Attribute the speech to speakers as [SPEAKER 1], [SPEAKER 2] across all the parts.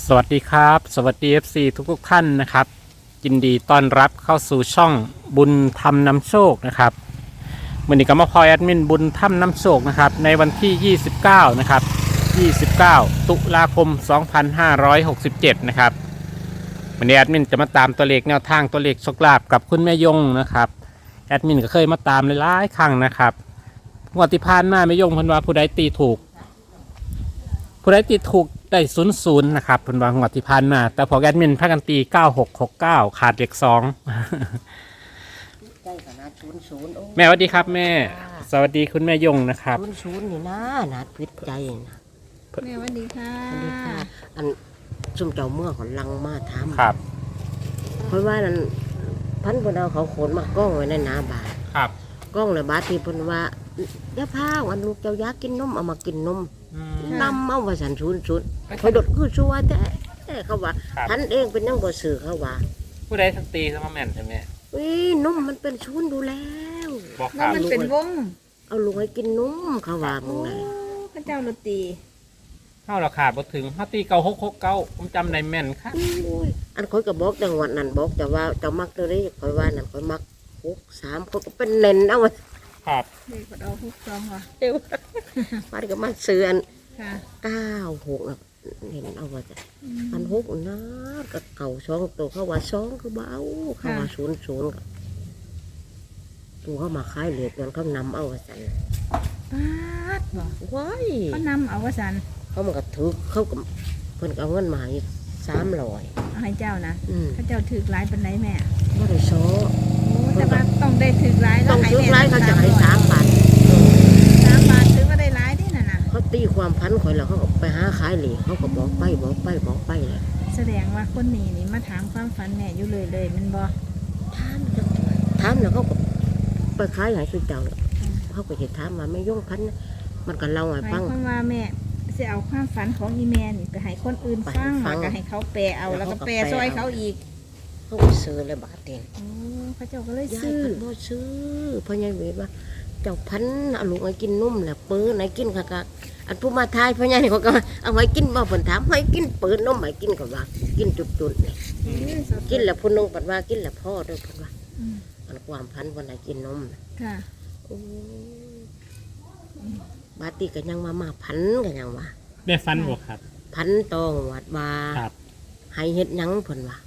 [SPEAKER 1] สวัสดีครับสวัสดี FC ทุกท่านนะครับยินดีต้อนรับเข้าสู่ช่องบุญธรรมนำโชคนะครับวันนี้ก็มาพลอยแอดมินบุญธรรมนำโชคนะครับในวันที่29นะครับ29ตุลาคม2567นะครับวันนี้แอดมินจะมาตามตัวเลขแนวทางตัวเลขโชคลาภกับคุณแม่ยงนะครับแอดมินก็เคยมาตามหลายๆครั้งนะครับงวดที่ผ่านมาแม่ยงเพิ่นว่าผู้ใดตีถูกได้00นะครับเพิ่นว่างวดที่ผ่านมาแต่พอแอดมินพากันตี9669ขาดเลข2
[SPEAKER 2] ใกล้ขนาด00โอ้
[SPEAKER 1] แม่สวัสดีครับแม่สวัสดีคุณแม่ยงนะครับ
[SPEAKER 2] 00นี่นะนาดพิษใจนะ
[SPEAKER 3] แม่สวัสดีค่ะ
[SPEAKER 2] สวัสดีค่ะอันซุ่มเจ้าเมื่อของลังมาถาม
[SPEAKER 1] ครับ
[SPEAKER 2] เพราะว่านั้นพันเพิ่นเอาเขาโขนมากล้องไว้ในหน้าบาท
[SPEAKER 1] ครับ
[SPEAKER 2] กล้องในบาทที่เพิ่นว่าอย่าพาวันลูกเจ้าอยากกินนมเอามากินนมนำเอาว่าสัน00คอยดดคือชัวแต่เขาว่าพันเองเป็นยังบ่ซื้อเขาว่า
[SPEAKER 1] ผู้ใดทั้งตีทั้งมาแม่นใช่ไหม
[SPEAKER 2] นมมันเป็น00ดูแล้ว
[SPEAKER 1] บอกค
[SPEAKER 3] แล้ว
[SPEAKER 1] รับ
[SPEAKER 3] มันเป็นวง
[SPEAKER 2] เอาลูกให้กินนมเขาว่ามึงไง
[SPEAKER 3] พระเจ้าโรตี
[SPEAKER 1] เข้าราคาบ่ถึงเฮาตี9669ผมจำได้แม่นครับ
[SPEAKER 2] อันคอยก็บอกจังหวัดนั้นบอกแต่ว่าเจ้ามักตัวนี้คอยว่านั่นคอยมัก63คนก็เป็นเน้นเอาไว้
[SPEAKER 1] ครับ
[SPEAKER 3] เด็กกดเอาทุกซองค่ะ
[SPEAKER 2] เดี๋ยวมันก็มาซื้ออัน
[SPEAKER 3] ค่ะ
[SPEAKER 2] 96นะเห็นเอาไว้จ้ะอัน6นะกับเก่า2ตัวเขาว่า2คือเบาเขาว่า00ก็ตัวเขามาขายเหล็กนั่นเขานำเอาไว้สั่น
[SPEAKER 3] ป๊าดบ่
[SPEAKER 2] ว้าย
[SPEAKER 3] เขานำเอาวสัน
[SPEAKER 2] เขามันก็ถือเขาก็เพิ่นก็เอาเงินมาให้300
[SPEAKER 3] เอาให้เจ้านะพระเจ้าถือหลายปันไหนแม่
[SPEAKER 2] บ่ได้โซ
[SPEAKER 3] โอ้แต่ว่าต้องได้ถือหลายแล้
[SPEAKER 2] ต้
[SPEAKER 3] ว
[SPEAKER 2] อง
[SPEAKER 3] ให้
[SPEAKER 2] ซื้อ
[SPEAKER 3] แม่
[SPEAKER 2] หลายเขาจะให้3บาท
[SPEAKER 3] 3 บาทถือว่าได้หลายที่น่ะนะ
[SPEAKER 2] เขาตีความพันข่อยแล้วเขาก็ไปหาขายเหล็กเขาก็บอกไปเลย
[SPEAKER 3] แสดงว่าคนนี้นี่มาถามความฝันแม่อยู่เลยมันบ่
[SPEAKER 2] ถามแล้วเขาก็ไปขายให้สุดเจ้าแล้วเขาก็จะถามมาไม่ย่งพันนะมันก็เล่าให้
[SPEAKER 3] หมา
[SPEAKER 2] ฟั
[SPEAKER 3] ย
[SPEAKER 2] ง
[SPEAKER 3] ความว่าแม่จะเอาความฝันของอีแม่นี่ไปให้คนอื่นฟัง
[SPEAKER 2] ไปให้ฟัง
[SPEAKER 3] แล้วก็ให้เขาแปลเอาแล้วก็แปลซอยเขาอีก
[SPEAKER 2] เขาก็ซื้อเลยบาทเอง
[SPEAKER 3] โอ้พระเจ้าก็เลย
[SPEAKER 2] ยาย
[SPEAKER 3] ซื้อ
[SPEAKER 2] พันบ่ซื้อเพราะยายเวทว่าเจ้าพันเอาลูกให้กินนุ่มแหละเปิ้นให้กินค่ะอันผู้มาทายเพราะยายนี่เขาก็เอาไว้กินบ่เพิ่นถามให้กินเปิ้นนมให้กินก็ว่ากินจุดๆนี่กินแล้วผู้นึงเพิ่นว่ากินแล้วพ่อด้วยเพิ่นว่า
[SPEAKER 3] อืม
[SPEAKER 2] อันความพันเพิ่นให้กินนม
[SPEAKER 3] ค่ะ
[SPEAKER 2] โอ้บาติก็ยังมาพันกันยังว่า
[SPEAKER 1] ได้ฟันบ่ครับ
[SPEAKER 2] พันตองวัดว่า
[SPEAKER 1] ครับ
[SPEAKER 2] ให้เฮ็ดหยังเพิ่นว่า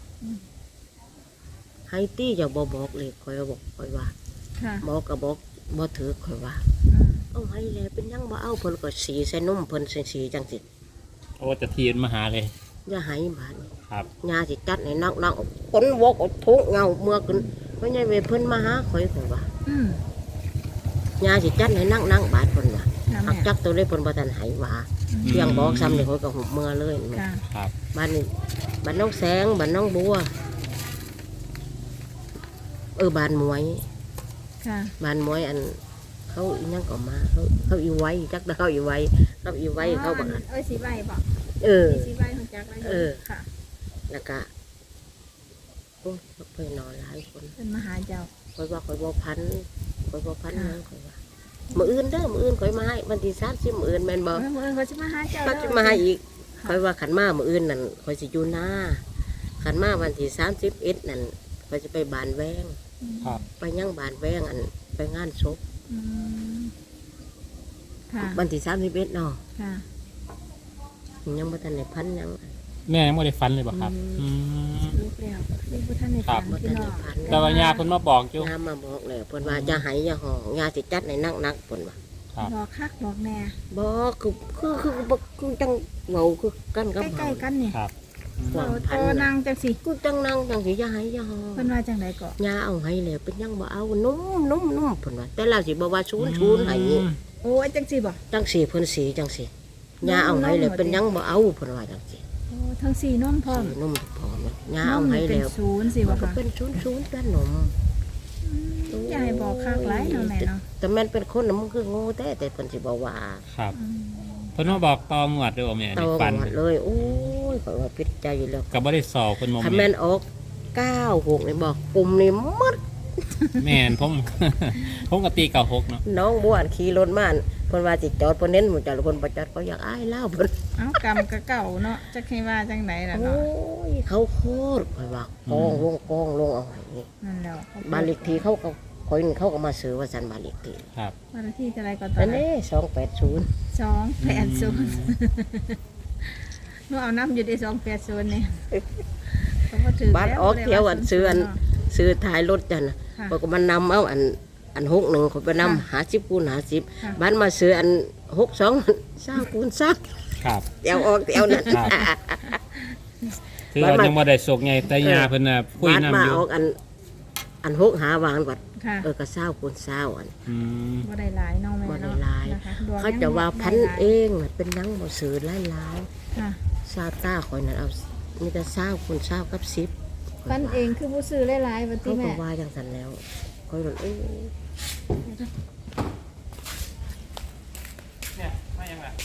[SPEAKER 2] ให้ตี้จะบ่บอกเลยคอยบอกคอยว่า
[SPEAKER 3] ค่ะ
[SPEAKER 2] บอกก็บอกบ่ถือคอยว่า
[SPEAKER 3] อืม
[SPEAKER 2] เอาให้แล้วเป็นหยังบ่เอาเพิ่นก็สีใส่นมเพิ่นใส่สีจังสิ
[SPEAKER 1] โอ้จะทีนมาหาเลย
[SPEAKER 2] อย่าให้บาดนี้
[SPEAKER 1] ครับ
[SPEAKER 2] ยาสิจัดให้นักๆคนวกเอาทุกเงาเมื่อขึ้นเพราะยายเวเพิ่นมาหาข่อยเพิ่นว่า
[SPEAKER 3] อืม
[SPEAKER 2] ยาสิจัดให้นักบาดเพิ่นว่า
[SPEAKER 3] ค่ะ
[SPEAKER 2] หัก
[SPEAKER 3] แม่
[SPEAKER 2] จักตัวเลยเพิ่นบ่ทันให้ว่าเพียงบอกซ้ำนี่ข่อยก็หุบเมื่อเลย
[SPEAKER 3] ค่ะ
[SPEAKER 1] ครับ
[SPEAKER 2] บ้านนี้บ้านน้องแสงบ้านน้องบัวบ้านมวย
[SPEAKER 3] ค่ะ
[SPEAKER 2] บ้านมวยอันเขาอีนั่งก็มาเขาอีไว้จักเขาอีไว้เขาอีไว้เขาบัง
[SPEAKER 3] เอ้ยสีใบบอก สีใบของจักรเลยค่ะ
[SPEAKER 2] แล้วก็โอ้ยไปนอนหลายคน
[SPEAKER 3] เป็นมหาเจ้า
[SPEAKER 2] คอยว่าคอยบ่พันคอยบ่พันนะคอยว่ามื้ออื่นเด้อมื้ออื่นคอยมาให้วันที่30มื้ออื่นแม่นบ่
[SPEAKER 3] เมื่อเขาจะมาหาเจ้า
[SPEAKER 2] เขาจะมาให้อีกคอยว่าขันมามื้ออื่นนั่นคอยสิอยู่หน้าขันมาวันที่31นั่นคอยจะไปบานแวง
[SPEAKER 1] ครับ
[SPEAKER 2] ไปยังบานแวงอันไปงานศพ
[SPEAKER 3] ค่ะ
[SPEAKER 2] วันที่31เนาะ
[SPEAKER 3] ค่ะ
[SPEAKER 2] ยังบ่ทันได้พันหยัง
[SPEAKER 1] แม่ยังไม่ได้ฟันเลยบ่ครับม
[SPEAKER 3] ลูกแล้วลูกพุทธในฝัน
[SPEAKER 2] บ่
[SPEAKER 3] พี่
[SPEAKER 2] ทัน
[SPEAKER 3] น้
[SPEAKER 2] ได้
[SPEAKER 3] อง
[SPEAKER 2] พัน
[SPEAKER 1] แต่ว่ายาคนมาบอกอยู่
[SPEAKER 2] ยามาบอกแล้วเพิ่นว่าจะให้อย่าห้องยาสิจัดให้นักๆเพิ่นว่า
[SPEAKER 1] ครับ
[SPEAKER 3] บอกคักบอกแน่
[SPEAKER 2] บ่คือจังเว้าคือกันกับ
[SPEAKER 3] ใกล้ๆกันนี่
[SPEAKER 1] ครับ
[SPEAKER 3] โตนางจังสิ
[SPEAKER 2] กูจังนั่งจังสิอย่าให้อย่าห้อง
[SPEAKER 3] เพิ่นว่าจังไดก็
[SPEAKER 2] ยาเอาให้แล้วเป็นยังบ่เอานุ่มเพิ่นว่าแต่เราสิบ่ว่าชูนให้
[SPEAKER 3] โอ้ยจังสิบ่
[SPEAKER 2] จังสิเพิ่นสีจังสิยาเอาให้แล้วเป็นยังบ่เอาเพิ่นว่าจังสิ
[SPEAKER 3] โอ้ทั้งสี่น้อมพร้อม
[SPEAKER 2] นุ่มพร้อมยา
[SPEAKER 3] น้อ
[SPEAKER 2] เอา
[SPEAKER 3] ม
[SPEAKER 2] ให้
[SPEAKER 3] นี่เป็น
[SPEAKER 2] แล้ว
[SPEAKER 3] ศูนย์สิ
[SPEAKER 2] มัน
[SPEAKER 3] บ่
[SPEAKER 2] ก็
[SPEAKER 3] ค่ะ
[SPEAKER 2] เป็นชูนด้านนม
[SPEAKER 3] ยายบอกคักหลายเนาะแม่เนาะ
[SPEAKER 2] แต่แม่นเป็นคนน่ะมันคือโง่แต่เพิ่นสิบ่ว่า
[SPEAKER 1] ครับเพิ่นมาบอกตองวดด้วยบ่แม่
[SPEAKER 2] ต
[SPEAKER 1] ใน
[SPEAKER 2] อ
[SPEAKER 1] ฟัน
[SPEAKER 2] หมดเลยโอ้ยข่อยว่าผิดใจอยู่แล้ว
[SPEAKER 1] ก็บ่ได้สอบเพิ่นบ่
[SPEAKER 2] คัน
[SPEAKER 1] แม่
[SPEAKER 2] แม่
[SPEAKER 1] น
[SPEAKER 2] นออก96นี่บอกปุ่มนี่หมด
[SPEAKER 1] แม่นผม ผมก็ตี96เนาะ
[SPEAKER 2] น้องบัวขี่รถมาเพิ่นว่าสิจอดเพิ่นเน้นหมู่เจ้าเพิ่นบ่จอดเขาอยากอายเล่าเพิ่น
[SPEAKER 3] เอ้ากรรมก็เก่าเนาะจักให้ว่าจังไดล่ะ
[SPEAKER 2] โอ้
[SPEAKER 3] เนาะ
[SPEAKER 2] ยเขาโคตรข่อยว่ากองลงเอาไว้นี่
[SPEAKER 3] นั่นแล้ว
[SPEAKER 2] บ้านเลขที่เขาก็ข่อยนี่เขาก็มาซื้อว่าซั่นบ้านเลขที่
[SPEAKER 1] ครับ
[SPEAKER 3] บ้านเลขที่เท่าไรก็ตอ
[SPEAKER 2] นั่
[SPEAKER 3] น
[SPEAKER 2] น
[SPEAKER 3] นั้น
[SPEAKER 2] เด้280
[SPEAKER 3] 280หนูเอาน้ำอยู่ได้280นี่ก็บ่ถือ
[SPEAKER 2] บ้านออกเที่ยวอันซื้ออันซื้อท้ายรถจันน่ะ
[SPEAKER 3] ค่ะ
[SPEAKER 2] เพิ่นก็มานำเอาอัน61ข่อยไปนำ50คูณ
[SPEAKER 3] ค่ะ
[SPEAKER 2] 50บ้านมาซื้ออัน62 20คูณ20
[SPEAKER 1] ครับ
[SPEAKER 2] เตียวออกเตียวนั่น
[SPEAKER 1] ครับ คือว่ายังบ่ได้โศกไงแต่ยาเพิ่นน่ะคุย
[SPEAKER 2] บ้าน
[SPEAKER 1] นํ
[SPEAKER 2] มา
[SPEAKER 1] อยู่
[SPEAKER 2] ออกอัน6หาวางก่อน
[SPEAKER 3] ค่ะ
[SPEAKER 2] ก็20คูณ20อัน
[SPEAKER 1] อืม
[SPEAKER 3] บ่ได้หลายเนาะแม่
[SPEAKER 2] บ่ได้
[SPEAKER 3] เนาะ
[SPEAKER 2] หลาย
[SPEAKER 3] นะคะดวง
[SPEAKER 2] เขาจะว่าพัน
[SPEAKER 3] ได้หลาย
[SPEAKER 2] เองน่ะเป็นหนังบ่ซื้อหลาย
[SPEAKER 3] ค่ะ
[SPEAKER 2] ๆซาต้าข่อยนั่นเอามีแต่20คูณ20กับ10
[SPEAKER 3] พันเองคือบ่ซื้อหลายๆว่าติ
[SPEAKER 2] เขาก็
[SPEAKER 3] แม่
[SPEAKER 2] ว่าจังซั่นแล้วข่อยว่า
[SPEAKER 1] เนี่ยมายังล่ะ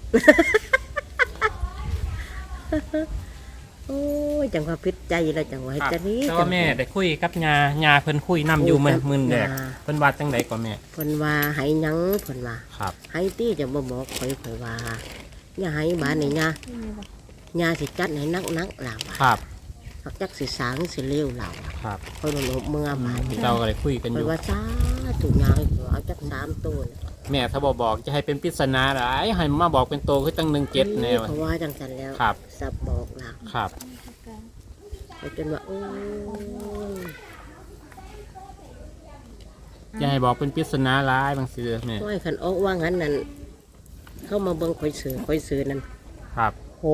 [SPEAKER 2] โอ้ยจังว่าพิษใจแล้วจังว่าเฮ็ดจังนี้
[SPEAKER 1] แต่ว่าแม่ได้คุยกับยาเพิ่นคุยนํอยู่มื้อแรกเพิ่นว่าจังได๋ก็แม่
[SPEAKER 2] เพิ่นว่าให้หยังเพิ่นว่า
[SPEAKER 1] ครับ
[SPEAKER 2] ให้ตี้จะบ่บอกข่อยว่าอย่าให้บ้านนี่ย่าย่าสิจัดให้นักๆล่ะว่า
[SPEAKER 1] ครับ
[SPEAKER 2] หักจักสิสางสิเลวล่ะว่า
[SPEAKER 1] ครับ
[SPEAKER 2] ข่อยบ่รู้เมื่อบ้านนี่
[SPEAKER 1] เราก็ได้คุยกันอ
[SPEAKER 2] ข่อย
[SPEAKER 1] ยู่
[SPEAKER 2] ว่าจ้าถูกยางเอาจัก3ตัวน่ะ
[SPEAKER 1] แม่ถ้าบอกจะให้เป็นปริศนาหลายให้มาบอกเป็นโตคือตั้ง17แนว
[SPEAKER 2] เขาว่าจังซั่นแล้ว
[SPEAKER 1] ครับ
[SPEAKER 2] สับบอกล่ะ
[SPEAKER 1] ครับ
[SPEAKER 2] ข่อยจนว่าโอ้ย
[SPEAKER 1] จะให้บอกเป็นปริศนาหลายบางทีแม่
[SPEAKER 2] ข่อยคันออกว่างั้นนั่นเข้ามาเบิ่งข่อยซื้อนั่น
[SPEAKER 1] ครับ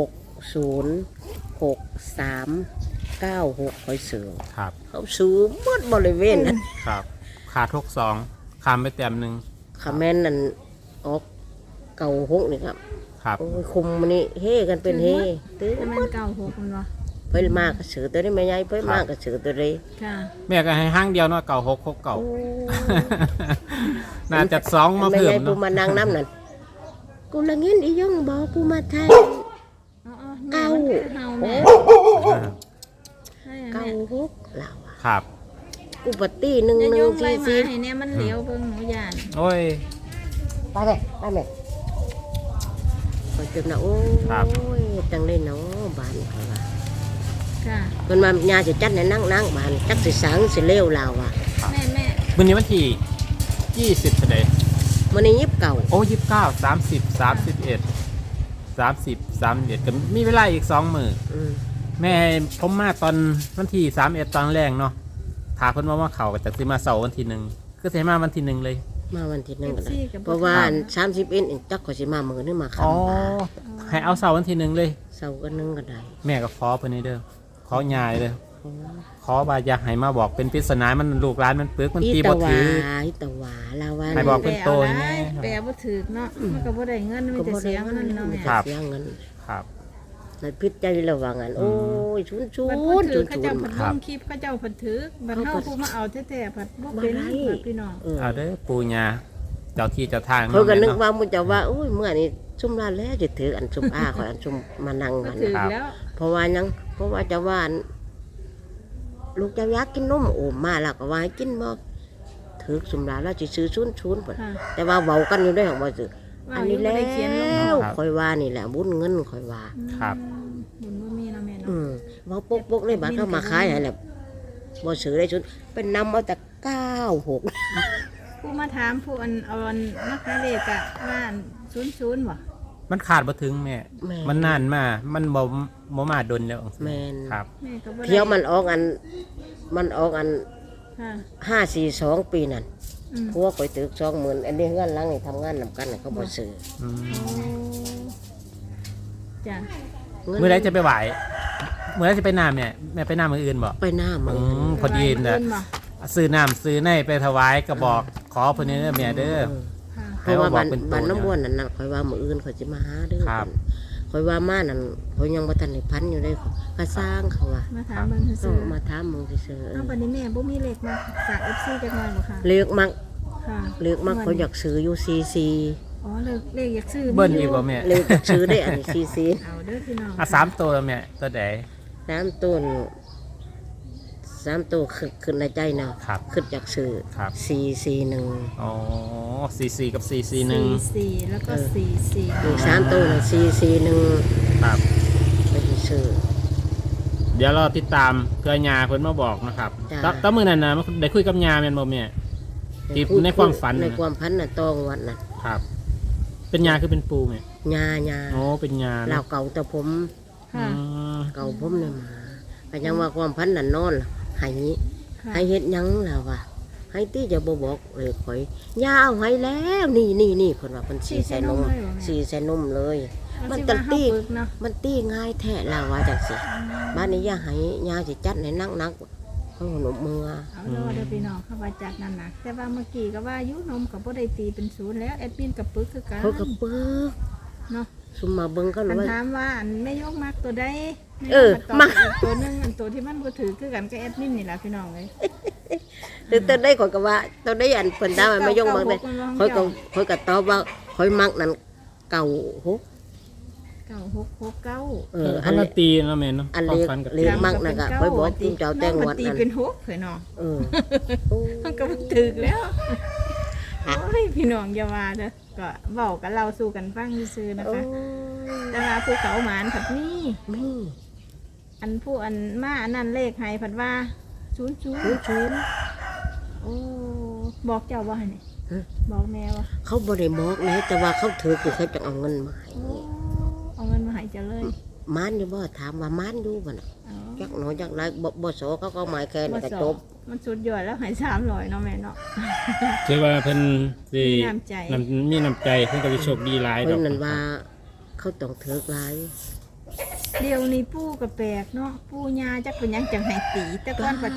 [SPEAKER 2] 606396ข่อยซื้อ
[SPEAKER 1] ครับ
[SPEAKER 2] เขาซื้อหมดบริเวณนั้น
[SPEAKER 1] ครับขาด62คามไปแต้มหนึง
[SPEAKER 2] คาแมนนั่นออกเก่าหกนี่ครับ
[SPEAKER 1] ครับ
[SPEAKER 2] โอ้ยคุมมันนี่เฮกันเป็นเฮตื้อ
[SPEAKER 3] แต่
[SPEAKER 2] ห
[SPEAKER 3] มั
[SPEAKER 2] ม
[SPEAKER 3] น
[SPEAKER 2] ด
[SPEAKER 3] เก่าหกมันบ่
[SPEAKER 2] เพิ่นมากก็ซื้อตัวนี้ไม่ใหญ่เพิ่นมากก็ซื้อตัวนี้
[SPEAKER 3] ค่ะ
[SPEAKER 1] แม่ก็ให้ห้างเดียวเนาะเก่า6 6เก่า
[SPEAKER 2] โอ้
[SPEAKER 1] น่าจะ2มา
[SPEAKER 2] ไม่
[SPEAKER 1] เพิ่
[SPEAKER 2] ให
[SPEAKER 1] ม
[SPEAKER 2] ญ่ผู้
[SPEAKER 1] เนาะ
[SPEAKER 2] มานั่งน้ำนั่นกูละเงินอีย่องบอกกูมาไทย
[SPEAKER 3] เก่าเฮาแม่ให้
[SPEAKER 2] เก่า
[SPEAKER 3] แม่
[SPEAKER 2] หกเราอะ
[SPEAKER 1] ครับ
[SPEAKER 2] กูปฏิหนึ่ง
[SPEAKER 3] จะ
[SPEAKER 2] ห
[SPEAKER 3] โย
[SPEAKER 2] นึ่ง
[SPEAKER 3] งไล่
[SPEAKER 2] สี่
[SPEAKER 3] มา
[SPEAKER 2] สี่
[SPEAKER 3] ให้เนี่ยมันเหลียวเบิ่งหนูย่าน
[SPEAKER 1] โอ้ย
[SPEAKER 2] ไปเลยคอยจนนะโอ้
[SPEAKER 1] ครับ
[SPEAKER 2] ยจังเลยเนาะบ้านเขาว่า
[SPEAKER 3] ค่ะ
[SPEAKER 2] เพิ่นมายาสิจัดให้นั่งบ้านจักสิสังสิเลวเราอะ
[SPEAKER 3] แม่
[SPEAKER 1] วันนี้วันที่20เท่าใด
[SPEAKER 2] มันนี่ยิบเก่า
[SPEAKER 1] โอ้29 30 31 30 31ก็มีเวลาอีก2มื้อ
[SPEAKER 2] อืม
[SPEAKER 1] แม่ผมมาตอนวันที่31ตอนแรกเนาะถาเพิ่นว่าเขาก็จะสิมาเสาร์วันที่1คือสิมาวันที่1เลย
[SPEAKER 2] มาวันที่หนึ่งก็ได้
[SPEAKER 3] FC กับ
[SPEAKER 2] เพราะว่า30เอ็นจักก็สิมามื้อนึงมา
[SPEAKER 1] อ๋อ
[SPEAKER 2] คำบ่าย
[SPEAKER 1] ให้เอาเสาร์วันที่1เลย
[SPEAKER 2] เสาร์ก็นึงก็ได้
[SPEAKER 1] แม่ก็ขอเพิ่นนี่เด้อขอยายเด้อขอว่าอยากให้มาบอกเป็นปริศนามันลูกหลานมันปึกมันตีบ่ถือ
[SPEAKER 2] อีตะวาลาวัน
[SPEAKER 1] ให้บอก เป็นโตอย่างนี้
[SPEAKER 3] แปลบ่ถูกเนาะมันก็บ่ได้เงินมีแต่เสียเงินเนาะแม่
[SPEAKER 1] ครับ
[SPEAKER 2] เสียเงิน
[SPEAKER 1] ครับ
[SPEAKER 2] ในพิษใจระวังอันโอ้ยชุน
[SPEAKER 3] บัดเพิ่นถื
[SPEAKER 2] ชุ
[SPEAKER 3] อน เขา
[SPEAKER 2] ชุ
[SPEAKER 3] เจ้าน เพิ่นลงคลิปเขาเจ้าเพิ่นถือบัดเฮาผู้มาเอาแท้ๆบัดบ่เป็นบัดพี่น้อง
[SPEAKER 1] เอาเด้อปู่ย่าเจ้าที่เจ้าทาง
[SPEAKER 2] เขาก็นึก
[SPEAKER 1] เนาะ
[SPEAKER 2] ว่ามึงจะว่าโอ้ยเมื่อนี้ซุ่มลาแล้วจะถืออันซุ่มอาคอยอันซุ่มมานั่ง
[SPEAKER 3] ก็
[SPEAKER 2] มัน
[SPEAKER 3] ถือแล้ว
[SPEAKER 2] เพราะว่ายังเพราะว่าจะว่าอันลูกจะอยากกินนมโอ้มาแล้วก็ว่าให้กินบ่ถือซุ่มลาแล้วจะซื้อชุนพุ่น
[SPEAKER 3] ค่ะ
[SPEAKER 2] แต่ว่าเว้ากันอยู่ได้ของบ่ซื้อ
[SPEAKER 3] ว่า
[SPEAKER 2] อัน
[SPEAKER 3] อยู่
[SPEAKER 2] นี้
[SPEAKER 3] บ่
[SPEAKER 2] แล้
[SPEAKER 3] ได้เขียนลง
[SPEAKER 2] วคอยว่านี่แหละบุญเงินคอยว่า
[SPEAKER 1] ครับ
[SPEAKER 3] บุญบ่มีเนาะแม่เนาะ
[SPEAKER 2] เว้าปกๆเลยบาดเข้ามาขายให้แหละบ่ซื้อได้ชุดเป็นนำเอาแต่96
[SPEAKER 3] ผู้มาถามผู้เอาอันมาขายเลขอะว่า00บ่
[SPEAKER 1] มันขาดบ่ถึงแม่
[SPEAKER 2] แม่
[SPEAKER 1] มันนานมามันบ่มาดนแล้ว
[SPEAKER 2] แม่น
[SPEAKER 1] ครับ
[SPEAKER 3] แม่ก็บ่ได้
[SPEAKER 2] เที่ยวมันออกอัน
[SPEAKER 3] ค่ะ
[SPEAKER 2] 542ปีนั่น
[SPEAKER 3] อืม
[SPEAKER 2] พวกข่อยตึก20,000อันนี้เฮือนหลังนี่ทำงานนำกันน่ะเขาบ่ซื้อ
[SPEAKER 1] อืม
[SPEAKER 3] โอ้จ้ะ
[SPEAKER 1] มื้อใดจะไปไหวมื้อใดจะไปน้ำเนี่ยแม่ไปน้ำมื้ออื่นบ่
[SPEAKER 2] ไปหน้ามึง
[SPEAKER 1] พอดี
[SPEAKER 3] เงิ
[SPEAKER 1] น่ะ
[SPEAKER 3] นบ่
[SPEAKER 1] ซื้อน้ำซื้อในไปถวายก็บอกขอเพิ่นนี่เด้อแม่เด้อ
[SPEAKER 3] ค่ะ
[SPEAKER 2] เพราะว่า
[SPEAKER 1] ให้
[SPEAKER 2] บ้าน
[SPEAKER 1] เป็น
[SPEAKER 2] บ้าน
[SPEAKER 1] ตัว
[SPEAKER 2] น้ำวนนั่นน่ะข่อยว่ามื้ออื่นข่อยสิมาหาเด้อ
[SPEAKER 1] ครับ
[SPEAKER 2] ข่อยว่ามานั่นข่อยยังบ่ทันได้พันอยู่เลยก็สร้างเขาว่า
[SPEAKER 3] มาถามเบิ่ง
[SPEAKER 2] เอ
[SPEAKER 3] ซื่อ
[SPEAKER 2] อมาถามมึงซื่อ
[SPEAKER 3] ๆเอ้าบัดนี้แม่บ่มีเลขมาฝาก FC จักหน่อยบ่ค่ะ
[SPEAKER 2] ๆเลือกมัก
[SPEAKER 3] ค่ะ
[SPEAKER 2] เลือกมักเขาอยากซื้ออยู่CC
[SPEAKER 3] อ๋อเลขอยากซื้อ
[SPEAKER 1] เบิ้ลอีกบ่แม่
[SPEAKER 2] เลือกอยากซื้อได้อันนี้CC
[SPEAKER 3] เอาเด้อพี่น้อง
[SPEAKER 1] อ่ะ3ตัวแล้วแม่ตัวใด
[SPEAKER 2] น้ำต้น 3ตัวขึ้นในใจนะครับ ขึ้นจากสื่อ
[SPEAKER 1] ครับ
[SPEAKER 2] 441
[SPEAKER 1] อ๋อ44กับ441
[SPEAKER 3] 44แล้วก็44
[SPEAKER 2] อีก3ตัวน่ะ441
[SPEAKER 1] ครับ
[SPEAKER 2] ไปซื้อ
[SPEAKER 1] เดี๋ยวเราติดตามเพื่อยาเพิ่นมาบอกนะครับ
[SPEAKER 2] จ้ะ
[SPEAKER 1] ตมื้อนั้นนะได้คุยกับยาแม่นบ่แม่ ที่ในความฝัน
[SPEAKER 2] ใน
[SPEAKER 1] น่ะ
[SPEAKER 2] ความฝันน่ะตองวัดน่ะ
[SPEAKER 1] ครับ เป็นยาคือเป็นปูแม่
[SPEAKER 2] ญา
[SPEAKER 1] โอ้เป็นยา
[SPEAKER 2] เรา
[SPEAKER 1] เนาะ
[SPEAKER 2] เก่าแต่ผม
[SPEAKER 3] ค่ะ
[SPEAKER 1] อืม
[SPEAKER 2] เก่าผมเนี่ยมาก็ยังว่าความพันนั่นนอนล่ะให้
[SPEAKER 3] ค่ะ
[SPEAKER 2] ให้เฮ็ดหยังล่ะวะให้ตี้จะบ่บอกเลยข่อยยาเอาให้แล้วนี่เพิ่นว่าเพิ่นสีใส่นมสีใส่นมเลย มัน
[SPEAKER 3] ก็
[SPEAKER 2] ตันตี้
[SPEAKER 3] ฝึกเนาะ
[SPEAKER 2] มันตี้ง่ายแท้ล่ะว่าจังซี่บ้านนี้อย่าให้ยาสิจัดให้นักๆเขาหนมมือ
[SPEAKER 3] เอาแล้วเดี๋ยวพี่น้องเข้ามาจัดนั่นนะแต่ว่าเมื่อกี้ก็ว่าอายุนมกับบ่ได้ตีเป็นศูนย์แล้วแอดมินกับปึกคือกัน
[SPEAKER 2] เขาก็ปึก
[SPEAKER 3] เนาะ
[SPEAKER 2] ซุมมาเบิ่งก็
[SPEAKER 3] คั
[SPEAKER 2] รู้
[SPEAKER 3] น
[SPEAKER 2] ว่า
[SPEAKER 3] ถามว่าอันไม่ยกมากตัวใด
[SPEAKER 2] เออ
[SPEAKER 3] มา
[SPEAKER 2] มา
[SPEAKER 3] อีกตัวหนึงอันตัวที่มันบ่ถือคือกันกับแอดมินนี่ล่ะพี่น้องเอ้ย
[SPEAKER 2] แต่ตอนได้ข่อยก็ว่าตอนได้อันเพิ่นดาวให้มายงเบิ่งได้ข่อยก็ตอบว่าข่อยมักนั่นเก่าหก
[SPEAKER 3] 9669
[SPEAKER 1] อันละตีเนาะแม่เนาะ
[SPEAKER 2] อัน
[SPEAKER 1] ความ
[SPEAKER 2] เล็ก
[SPEAKER 1] ฝันกับ
[SPEAKER 2] เล็กมากนะก็ข่อยบอกคุณเจ้าแต่ง
[SPEAKER 3] วั
[SPEAKER 2] วัด
[SPEAKER 3] ตี
[SPEAKER 2] นั่น
[SPEAKER 3] เป็น6เผยน้อง
[SPEAKER 2] เออ
[SPEAKER 3] มันก็บ่ถึกแล้วโอ้ยพี่น้องอย่าว่าเด้อก็เว้ากันเราสู่กันฟังซื่อๆนะ
[SPEAKER 2] โอ้
[SPEAKER 3] คะแต่ว่าภูเขาหมานผัดนี่
[SPEAKER 2] มี
[SPEAKER 3] อันผู้อันมาอันนั้นเลขให้ผัดว่า00
[SPEAKER 2] ศูนย์
[SPEAKER 3] โอ้บอกเจ้าว่าไงเนี่ย
[SPEAKER 2] ฮะ
[SPEAKER 3] บอกแม่ว่า
[SPEAKER 2] เขาบ่ได้บอกนะแต่ว่าเขาถือคือเขาจะเอาเงินมาให้
[SPEAKER 3] โอ้เอาเงินมาให้เจ้าเลย
[SPEAKER 2] มานอยู่บ่ถามว่ามานอยู่บ่น่ะ
[SPEAKER 3] เอา
[SPEAKER 2] จักหน่อยจักหลายบ่สอเขาก็หมายแค่นี้ก็จบ
[SPEAKER 3] มันสุดยอดแล้วให้300เนาะแม่เนาะ
[SPEAKER 1] คือว่าเพิ่นสิ
[SPEAKER 3] มีน้ำใจ
[SPEAKER 1] มีน้ำใจเพิ่นก็สิโชคดีหลายด
[SPEAKER 2] เพิ่
[SPEAKER 1] อน ก
[SPEAKER 2] นั่นว่าเขาต้องถือหลาย
[SPEAKER 3] เดี๋ยวนี้ปู่ก็แปลกเนาะปู่ย่าจักเป็นหยังจังให้ตีแต่ก่อนปัด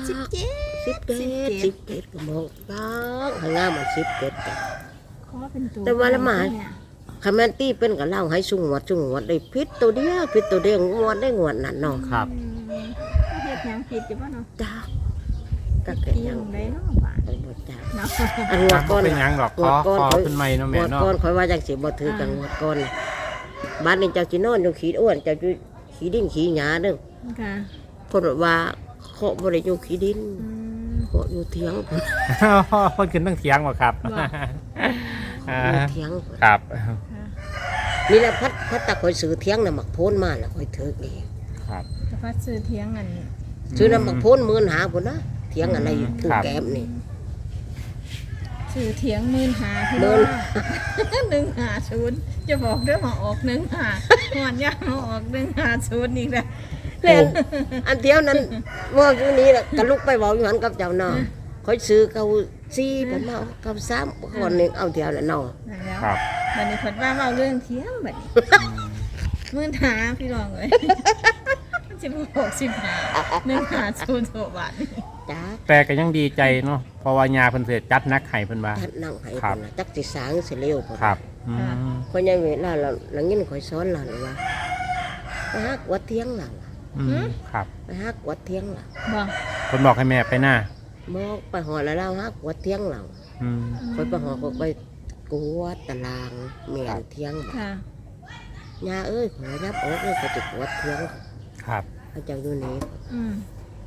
[SPEAKER 2] 17ก็บอกจักให้งามมัน17ก็
[SPEAKER 3] ขอเป็นตัว
[SPEAKER 2] แต่ว่าละหมาด
[SPEAKER 3] เนี่ย
[SPEAKER 2] คันแม่นตี้เป็นก็เล่าให้สุงวดได้ผิดตัวเดียวงวดได้งวดนั่นเนาะ
[SPEAKER 1] ครับ
[SPEAKER 3] เขาเฮ็ดหยังผิดอยู่บ่เนาะ
[SPEAKER 2] จ้าก็
[SPEAKER 3] เฮ็ด
[SPEAKER 2] เกิด
[SPEAKER 3] เตีย
[SPEAKER 2] ยัง ง
[SPEAKER 3] ได้เนาะบาด
[SPEAKER 2] ไปบ่จ้า
[SPEAKER 3] เนาะ
[SPEAKER 2] อันงวดก่อน
[SPEAKER 1] เป็นหยังหรอกขอขึ้นใหม่เนาะ
[SPEAKER 2] ง
[SPEAKER 1] แม่
[SPEAKER 2] วด
[SPEAKER 1] เนาะ
[SPEAKER 2] ก่อนข่อยว่าจังสิบ่ถือกันงวดก่อนบ้านนี้เจ้าสินอนอยู่ขี้อ้วนเจ้าอยู่ขี้ดินขี้หญ้าเด้อ
[SPEAKER 3] ค่ะ
[SPEAKER 2] เพิ่นว่าเคาะบ่ได้อยู่ขี้ดิน
[SPEAKER 3] อืม
[SPEAKER 2] เคาะอยู่เถียงเพิ่น
[SPEAKER 1] เพิ่นขึ้นตั้งเถียงบ่ครับ
[SPEAKER 3] บ่
[SPEAKER 1] อ่า
[SPEAKER 2] อยู่เถียงเพิ่น
[SPEAKER 1] ครับ
[SPEAKER 3] ค่ะ
[SPEAKER 2] นี่แหละพัดตะข่อยซื้อเถียงน่ะมักโพนมาแล้วข่อยถือเอง
[SPEAKER 1] ครับ
[SPEAKER 3] แต่พัดซื้อเถียงอัน
[SPEAKER 2] ซื้อน้ำมักโพน15,000พุ่นนะเถียงอะไรผู้แก้มนี่
[SPEAKER 3] ซื้อเถียง15,000พี่
[SPEAKER 2] หมื่
[SPEAKER 3] น้อน 150จะบอกเด้อมาออก15หอนยามาออก150อีกแล้ว
[SPEAKER 2] แม่นอันเดียวนั้นว่าอยู่นี้ล่ะก็ลุกไปเว้าอยู่หันกับเจ้าเนาะข่อยซื้อเก่า4เพิ่นมาเอาเก่า3คนนึงเอาเดียวแล้วเนาะ
[SPEAKER 3] นั่นแล้ว
[SPEAKER 1] ครับ
[SPEAKER 3] บัดนี้เพิ่นว่าเว้าเรื่องเถียงบัดนี้15,000พี่น้องเอ้ยมันสิบ่ออก15 150โบาทนี่
[SPEAKER 2] จ้า
[SPEAKER 1] แต่ก็ยังดีใจเนาะเพราะว่ายาเพิ่นเสียจัดนักไห้เพิ่นว่า
[SPEAKER 2] ทัดนั่งให้
[SPEAKER 1] ครั
[SPEAKER 2] เพิ่
[SPEAKER 1] บ
[SPEAKER 2] นน่ะจักสิสางสิเร็วเพิ่น
[SPEAKER 1] ครับอืม
[SPEAKER 2] คนยังเวลาเราเงินข่อยสอนหลานว่าไปฮักวัดเที่ยงหลัง
[SPEAKER 1] ครับ
[SPEAKER 2] ไปฮักวัดเที่ยงหลัง
[SPEAKER 3] บ่
[SPEAKER 1] เพิ่นบอกให้แม่ไปหน้า
[SPEAKER 2] บอกไปหอแล้วเราฮักวัดเที่ยงหลัง
[SPEAKER 1] อืม
[SPEAKER 2] ข่อยไปหอก็ไปกวดตารางเมียนเที่ยงบัด
[SPEAKER 3] ค่ะ
[SPEAKER 2] ยาเอ้ยขอยับออกเลยเขาจะวัดเที่ยง
[SPEAKER 1] ครับ
[SPEAKER 2] เขาเจ้าอยู่นี่
[SPEAKER 3] อืม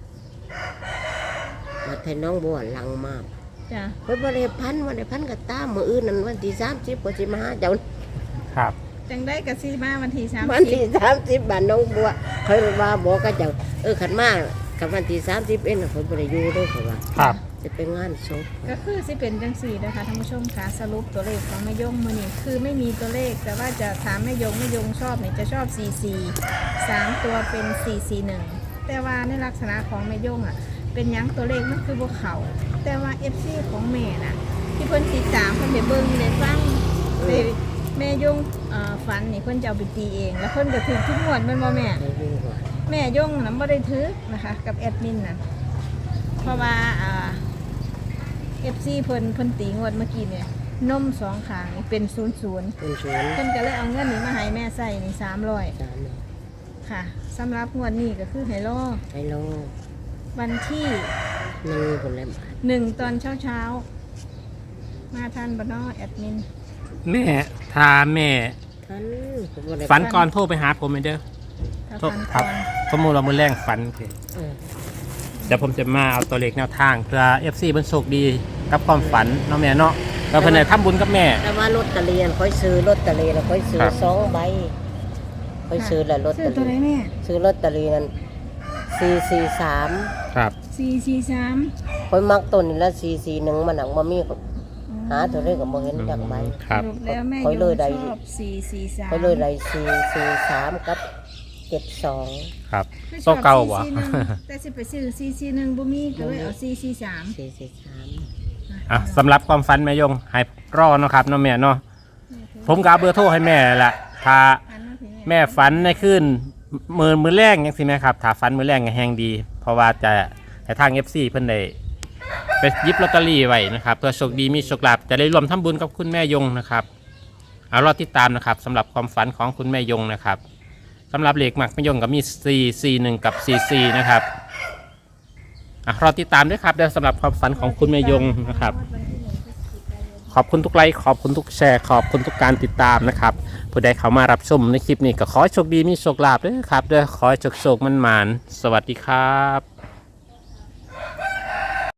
[SPEAKER 2] มาแทนน้องบัวหลังมาก
[SPEAKER 3] จ้ะ
[SPEAKER 2] ข่อยบ่ได้พันกับตามมื้ออื่นนั่นวันที่30ก็สิมาหาเจ้า
[SPEAKER 1] ครับ
[SPEAKER 3] จังได้ก็สิมาวันที่30
[SPEAKER 2] วันที่30บ้านน้องบัวข่อยว่าบอกกับเจ้าขันมากับวันที่30เอ็นข่อยบ่ได้อยู่เด้อข่อยว่า
[SPEAKER 1] ครับ
[SPEAKER 2] จะไปงานศพ
[SPEAKER 3] ก็คือสิเป็นจังสี่นะคะท่านผู้ชมค่ะสรุปตัวเลขของแม่ยงมือนี่คือไม่มีตัวเลขแต่ว่าจะถามแม่ยงชอบเนี่ยจะชอบ 44 3ตัวเป็น 441 แต่ว่าในลักษณะของแม่ยงอ่ะเป็นหยังตัวเลขมันคือบ่เขาแต่ว่า FC ของแม่น่ะที่เพิ่นติดตามเพิ่นได้เบิ่งได้ฟังได้แม่ยงฝันนี่เพิ่นจะเอาไปตีเอง แล้วเพิ่นก็ถือทุกงวดแม่นบ่แม่
[SPEAKER 2] ได้ยินว่า
[SPEAKER 3] แม่ยงน่ะบ่ได้ถือนะคะกับแอดมินน่ะเพราะว่าFC เพิ่นตีงวดเมื่อกี้เนี่ยนมสองขางนี่เป็น00
[SPEAKER 2] เป็นสวน
[SPEAKER 3] เพิ่นก็เลยเอาเงินนี้มาให้แม่ใส่นี่300
[SPEAKER 2] สาม
[SPEAKER 3] ค่ะสำหรับงวดนี้ก็คือให้รอ
[SPEAKER 2] ไอ้โล
[SPEAKER 3] วันที่
[SPEAKER 2] นึงคนละบาท
[SPEAKER 3] 1ตอนเช้าๆมาทันบ่เนาะแอดมิน
[SPEAKER 1] แม่ถ้าแม่
[SPEAKER 2] ท่านผมบ่ได้
[SPEAKER 1] ฝันก่อนโทรไปหาผมเด้อ
[SPEAKER 3] ถ้า
[SPEAKER 1] โทร
[SPEAKER 3] ฟัน
[SPEAKER 1] ครั
[SPEAKER 3] ก่
[SPEAKER 1] บ
[SPEAKER 3] อน
[SPEAKER 1] สมมุติเรามื้อแรงฝันโอเค
[SPEAKER 2] เออ
[SPEAKER 1] เดี๋ยวผมจะมาเอาตัวเลขแนวทางเพื่อ FC เพิ่นโชคดีกับความฝันเนาะแม่เนาะก็เพิ่นได้ทำบุญกับแม่
[SPEAKER 2] แต่ว่าลอตเตอรี่ค่อยซื้อลอตเตอรี่แล้วค่อยซื้อ
[SPEAKER 1] ครับ
[SPEAKER 2] 2 ใบค่อยซื้อแล้วลอต
[SPEAKER 3] ซื้
[SPEAKER 2] เต
[SPEAKER 3] อ
[SPEAKER 2] อ
[SPEAKER 3] ตัวไหน
[SPEAKER 2] รี่
[SPEAKER 3] แม่
[SPEAKER 2] ซื้อลอตเตอรี่นั้น443
[SPEAKER 1] ครับ
[SPEAKER 3] 443
[SPEAKER 2] ค่อยมักต้นนี่ละ441มันหนังบ่มีหาตัวเลขก็บ่เห็นจักใบ
[SPEAKER 1] ครับ
[SPEAKER 3] สรุปแล้วแม่
[SPEAKER 2] ค่อย
[SPEAKER 3] ย
[SPEAKER 2] เลย
[SPEAKER 3] ง
[SPEAKER 2] ได้
[SPEAKER 3] ชอบ443
[SPEAKER 2] ค่อยเลยได้443กับ72
[SPEAKER 1] ครับ
[SPEAKER 3] ไม่ช
[SPEAKER 1] โซ
[SPEAKER 3] อบ
[SPEAKER 1] เก่าบ่
[SPEAKER 3] 441แต่สิไปซื้อ441บ่มีก็เลยเอา443
[SPEAKER 2] 443
[SPEAKER 1] อ่ะสำหรับความฝันแม่ยงให้รอเนาะครับเนาะแม่เนาะผมก็เอาเบอร์โทรให้แม่แหละถ้า
[SPEAKER 3] อันนั้นถึง
[SPEAKER 1] แม่ฝันในคืนมือแรกยังสิแม่ครับถ้าฝันมือแรกก็แฮงดี เพราะว่าจะให้ทาง FC เพิ่นได้ไปหยิบลอตเตอรี่ไว้นะครับเพื่อโชคดีมีโชคลาภจะได้รวมทำบุญกับคุณแม่ยงนะครับเอารอติดตามนะครับสำหรับความฝันของคุณแม่ยงนะครับสำหรับเลขมักแม่ยงก็มี441กับ44นะครับรอติดตามด้วยครับเดี๋ยวสำหรับความฝันของคุณแม่ยงนะครับ ขอบคุณทุกไลค์ขอบคุณทุกแชร์ขอบคุณทุกการติดตามนะครับผู้ใดเข้ามารับชมในคลิปนี้ก็ขอให้โชคดีมีโชคลาภด้วยครับด้วยขอให้โชคมันหมานสวัสดีครับ